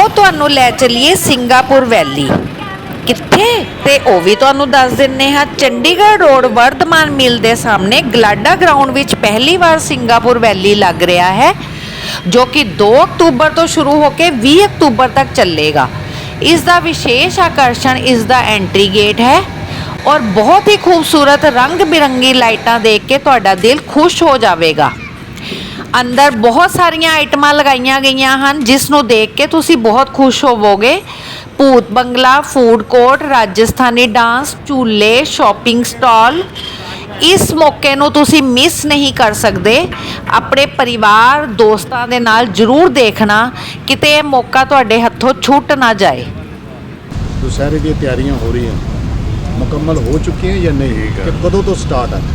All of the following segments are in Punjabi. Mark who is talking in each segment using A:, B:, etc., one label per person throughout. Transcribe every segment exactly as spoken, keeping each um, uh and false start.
A: आओ तुहानू लै चलीए सिंगापुर वैली। कित्थे ते ओ भी तुहानू दस दिन्ने हां। चंडीगढ़ रोड वर्धमान मिल के सामने गलाडा ग्राउंड विच पहली बार सिंगापुर वैली लग रहा है, जो कि दो अक्तूबर तो शुरू होकर बीस अक्तूबर तक चलेगा। इसका विशेष आकर्षण इसका एंट्री गेट है और बहुत ही खूबसूरत रंग बिरंगी लाइटां देख के तुहाडा दिल खुश हो जाएगा। अंदर बहुत सारिया आइटमां लगाईयां गईयां हन जिसनों देख के तुसी बहुत खुश होवोगे। भूत बंगला, फूड कोर्ट, राजस्थानी डांस, झूले, शॉपिंग स्टॉल। इस मौके नूं तुसी मिस नहीं कर सकते। अपने परिवार दोस्तों के नाल जरूर देखना, किते यह मौका तुहाडे हत्थों छूट ना जाए।
B: दुशहरे की तैयारियां हो रही हैं, मुकम्मल हो चुकी हैं या नहीं, कि कदों तो स्टार्ट है?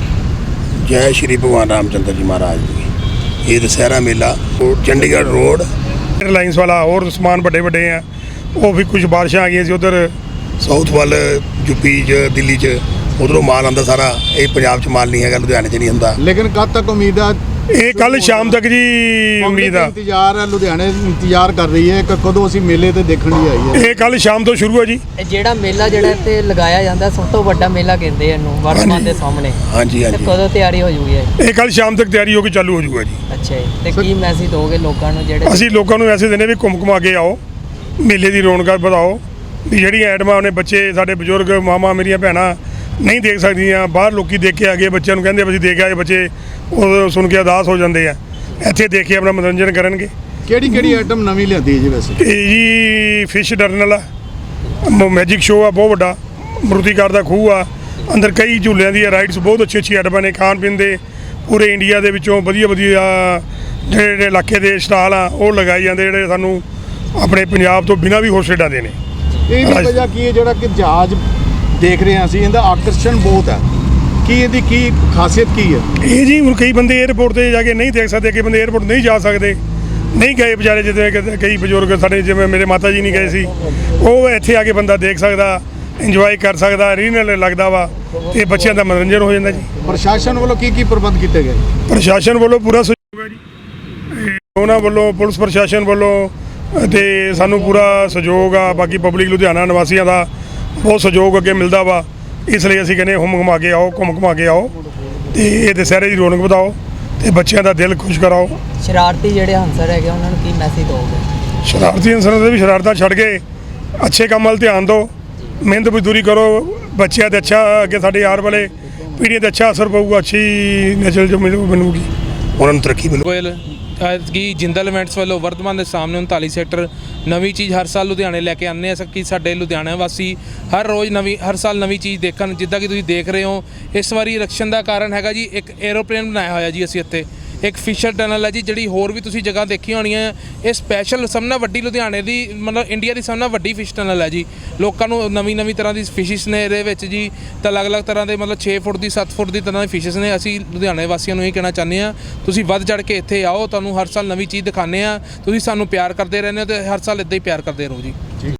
C: जय श्री भगवान रामचंद्र जी महाराज जी। ये दशहरा मेला चंडीगढ़ रोड
D: एयरलाइंस वाला और समान बड़े बड़े हैं, वो भी कुछ बारिशां आ गई सी उधर
C: साउथ वाल यूपी च दिल्ली च उधरों माल आंदा सारा। ये पंजाब च माल नहीं है, लुधियाने च नहीं आंदा।
B: लेकिन कद तक उम्मीद है?
D: ये कल शाम तक जी उम्मीद है।
B: इंतजार है, लुधियाने इंतजार कर रही है कि कदों असीं मेले ते देखण लई आई है।
D: ये कल शाम तो शुरू है जी।
E: ਜਿਹੜਾ ਮੇਲਾ ਜਿਹੜਾ ਇੱਥੇ ਲਗਾਇਆ ਜਾਂਦਾ ਸਭ ਤੋਂ ਵੱਡਾ ਮੇਲਾ ਕਹਿੰਦੇ ਇਹਨੂੰ ਵਰਤਮਾਨ ਦੇ ਸਾਹਮਣੇ।
C: ਹਾਂਜੀ ਹਾਂਜੀ।
E: ਕਦੋਂ ਤਿਆਰੀ ਹੋ ਜੂਗੀ ਇਹ?
D: ये कल शाम तक तैयारी होकर चालू हो जाऊगा जी।
E: ਅੱਛਾ ਜੀ, ਤੇ ਕੀ ਮੈਸੇਜ ਦੋਗੇ ਲੋਕਾਂ ਨੂੰ ਜਿਹੜੇ
D: ਅਸੀਂ ਲੋਕਾਂ ਨੂੰ ਐਸੇ ਦਿਨੇ ਵੀ ਘੁੰਮ ਘੁਮਾ ਕੇ ਆਓ, ਮੇਲੇ ਦੀ ਰੌਣਕਾਂ ਵਧਾਓ। ਵੀ ਜਿਹੜੀਆਂ ਐਟਮਾਂ ਨੇ ਬੱਚੇ ਸਾਡੇ ਬਜ਼ੁਰਗ ਮਾਮਾ ਮੇਰੀਆਂ ਭੈਣਾਂ ਨਹੀਂ ਦੇਖ ਸਕਦੀਆਂ, ਬਾਹਰ ਲੋਕੀ ਦੇਖ ਕੇ ਆ ਗਏ, ਬੱਚਿਆਂ ਨੂੰ ਕਹਿੰਦੇ ਅਸੀਂ ਦੇਖ ਆਏ, ਬੱਚੇ ਉਹ ਸੁਣ ਕੇ ਉਦਾਸ ਹੋ ਜਾਂਦੇ ਆ। ਇੱਥੇ ਦੇਖ ਕੇ ਆਪਣਾ ਮਨੋਰੰਜਨ ਕਰਨਗੇ।
B: ਕਿਹੜੀ ਕਿਹੜੀ ਆਈਟਮ ਨਵੀਂ ਲਿਆਂਦੀ ਹੈ ਜੀ ਵੈਸੇ?
D: ਇਹ ਜੀ ਫਿਸ਼ ਟਰਨਲ ਆ, ਮੈਜਿਕ ਸ਼ੋਅ ਆ ਬਹੁਤ ਵੱਡਾ, ਮਰੂਤੀਕਾਰ ਦਾ ਖੂਹ ਆ, ਅੰਦਰ ਕਈ ਝੂਲਿਆਂ ਦੀਆਂ ਰਾਈਡਸ ਬਹੁਤ ਅੱਛੀ ਅੱਛੀ ਆਈਟਮਾਂ ਨੇ। ਖਾਣ ਪੀਣ ਦੇ ਪੂਰੇ ਇੰਡੀਆ ਦੇ ਵਿੱਚੋਂ ਵਧੀਆ ਵਧੀਆ ਜਿਹੜੇ ਜਿਹੜੇ ਇਲਾਕੇ ਦੇ ਸਟਾਲ ਆ ਉਹ ਲਗਾਏ ਜਾਂਦੇ, ਜਿਹੜੇ ਸਾਨੂੰ ਆਪਣੇ ਪੰਜਾਬ ਤੋਂ ਬਿਨਾਂ ਵੀ ਹੋਰ ਸਟੇਟਾਂ ਦੇ ਨੇ।
B: ਇਹਦੀ ਵਜ੍ਹਾ ਕੀ ਹੈ ਜਿਹੜਾ ਕਿ ਜਹਾਜ਼ ਦੇਖ ਰਹੇ ਹਾਂ ਅਸੀਂ, ਇਹਦਾ ਆਕਰਸ਼ਣ ਬਹੁਤ ਹੈ, ਕੀ ਇਹਦੀ ਕੀ ਖਾਸੀਅਤ ਕੀ ਹੈ?
D: ਇਹ ਜੀ ਹੁਣ ਕਈ ਬੰਦੇ 에ਅਰਪੋਰਟ ਤੇ ਜਾ ਕੇ ਨਹੀਂ ਦੇਖ ਸਕਦੇ, ਕਈ ਬੰਦੇ 에ਅਰਪੋਰਟ ਨਹੀਂ ਜਾ ਸਕਦੇ, ਨਹੀਂ ਗਏ ਵਿਚਾਰੇ, ਜਿਵੇਂ ਕਿ ਕਈ ਬਜ਼ੁਰਗ ਸਾਡੇ ਜਿਵੇਂ ਮੇਰੇ ਮਾਤਾ ਜੀ ਨਹੀਂ ਗਏ ਸੀ, ਉਹ ਇੱਥੇ ਆ ਕੇ ਬੰਦਾ ਦੇਖ ਸਕਦਾ, ਇੰਜੋਏ ਕਰ ਸਕਦਾ, ਰੀਨਲ ਲੱਗਦਾ ਵਾ, ਤੇ ਬੱਚਿਆਂ ਦਾ ਮਨੋਰੰਜਨ ਹੋ ਜਾਂਦਾ ਜੀ।
B: ਪ੍ਰਸ਼ਾਸਨ ਵੱਲੋਂ ਕੀ ਕੀ ਪ੍ਰਬੰਧ ਕੀਤੇ ਗਏ?
D: ਪ੍ਰਸ਼ਾਸਨ ਵੱਲੋਂ ਪੂਰਾ ਸਹਿਯੋਗ ਹੈ ਜੀ, ਉਹਨਾਂ ਵੱਲੋਂ ਪੁਲਿਸ ਪ੍ਰਸ਼ਾਸਨ ਵੱਲੋਂ ਤੇ ਸਾਨੂੰ ਪੂਰਾ ਸਹਿਯੋਗ ਆ। ਬਾਕੀ ਪਬਲਿਕ ਲੁਧਿਆਣਾ ਨਿਵਾਸੀਆਂ ਦਾ ਬਹੁਤ ਸਹਿਯੋਗ ਅੱਗੇ ਮਿਲਦਾ ਵਾ। ਇਸ ਲਈ ਅਸੀਂ ਕਹਿੰਦੇ ਘੁੰਮ ਘੁਮਾ ਕੇ ਆਓ, ਘੁੰਮ ਘੁਮਾ ਕੇ ਆਓ ਤੇ ਇਹ ਦੁਸਹਿਰੇ ਦੀ ਰੌਣਕ ਵਧਾਓ ਤੇ ਬੱਚਿਆਂ ਦਾ ਦਿਲ ਖੁਸ਼ ਕਰਾਓ।
E: ਸ਼ਰਾਰਤੀ ਜਿਹੜੇ ਹੰਸਰ ਹੈਗੇ ਉਹਨਾਂ ਨੂੰ ਕੀ ਮੈਸੇਜ ਦੋਗੇ?
D: ਸ਼ਰਾਰਤੀ ਹੰਸਰਾਂ ਦੇ ਵੀ ਸ਼ਰਾਰਤਾਂ ਛੱਡ ਕੇ ਅੱਛੇ ਕੰਮ ਵੱਲ ਧਿਆਨ ਦਿਓ, ਮਿਹਨਤ ਮਜ਼ਦੂਰੀ ਕਰੋ, ਬੱਚਿਆਂ 'ਤੇ ਅੱਛਾ ਅੱਗੇ ਸਾਡੇ ਆਉਣ ਵਾਲੇ ਪੀੜ੍ਹੀ 'ਤੇ ਅੱਛਾ ਅਸਰ ਪਊਗਾ, ਅੱਛੀ ਨਸਲ ਜੋ ਮਿਲੂ ਬਣੂਗੀ,
C: ਉਹਨਾਂ ਨੂੰ ਤਰੱਕੀ ਮਿਲੂ।
F: ਗੋਇਲ ਕਿ ਜਿੰਦਲ ਇਵੈਂਟਸ ਵੱਲੋਂ ਵਰਤਮਾਨ ਦੇ ਸਾਹਮਣੇ ਉਨਤਾਲੀ ਸੈਕਟਰ ਨਵੀਂ ਚੀਜ਼ ਹਰ ਸਾਲ ਲੁਧਿਆਣੇ ਲੈ ਕੇ ਆਉਂਦੇ ਆ ਕਿ ਸਾਡੇ ਲੁਧਿਆਣਾ ਵਾਸੀ ਹਰ ਰੋਜ਼ ਨਵੀਂ ਹਰ ਸਾਲ ਨਵੀਂ ਚੀਜ਼ ਦੇਖਣ। ਜਿੱਦਾਂ ਕਿ ਤੁਸੀਂ ਦੇਖ ਰਹੇ ਹੋ, ਇਸ ਵਾਰੀ ਇਲੈਕਸ਼ਨ ਦਾ ਕਾਰਨ ਹੈਗਾ ਜੀ ਇੱਕ 에ਅਰੋਪਲੇਨ ਬਣਾਇਆ ਹੋਇਆ ਜੀ ਅਸੀਂ ਇੱਥੇ। ਇੱਕ ਫਿਸ਼ਰ ਟਨਲ ਹੈ ਜੀ, ਜਿਹੜੀ ਹੋਰ ਵੀ ਤੁਸੀਂ ਜਗ੍ਹਾ ਦੇਖੀਆਂ ਹੋਣੀਆਂ। ਇਹ ਸਪੈਸ਼ਲ ਸਭ ਨਾਲ ਵੱਡੀ ਲੁਧਿਆਣੇ ਦੀ ਮਤਲਬ ਇੰਡੀਆ ਦੀ ਸਭ ਨਾਲ ਵੱਡੀ ਫਿਸ਼ ਟਨਲ ਹੈ ਜੀ। ਲੋਕਾਂ ਨੂੰ ਨਵੀਂ ਨਵੀਂ ਤਰ੍ਹਾਂ ਦੀ ਫਿਸ਼ਿਸ ਨੇ ਇਹਦੇ ਵਿੱਚ ਜੀ, ਤਾਂ ਅਲੱਗ-ਅਲੱਗ ਤਰ੍ਹਾਂ ਦੇ ਮਤਲਬ ਛੇ ਫੁੱਟ ਦੀ ਸੱਤ ਫੁੱਟ ਦੀ ਤਰ੍ਹਾਂ ਦੀ ਫਿਸ਼ਿਸ ਨੇ। ਅਸੀਂ ਲੁਧਿਆਣੇ ਵਾਸੀਆਂ ਨੂੰ ਇਹ ਕਹਿਣਾ ਚਾਹੁੰਦੇ ਹਾਂ, ਤੁਸੀਂ ਵੱਧ ਚੜ੍ਹ ਕੇ ਇੱਥੇ ਆਓ, ਤੁਹਾਨੂੰ ਹਰ ਸਾਲ ਨਵੀਂ ਚੀਜ਼ ਦਿਖਾਉਂਦੇ ਹਾਂ। ਤੁਸੀਂ ਸਾਨੂੰ ਪਿਆਰ ਕਰਦੇ ਰਹਿੰਦੇ ਹੋ ਅਤੇ ਹਰ ਸਾਲ ਇੱਦਾਂ ਹੀ ਪਿਆਰ ਕਰਦੇ ਰਹੋ ਜੀ।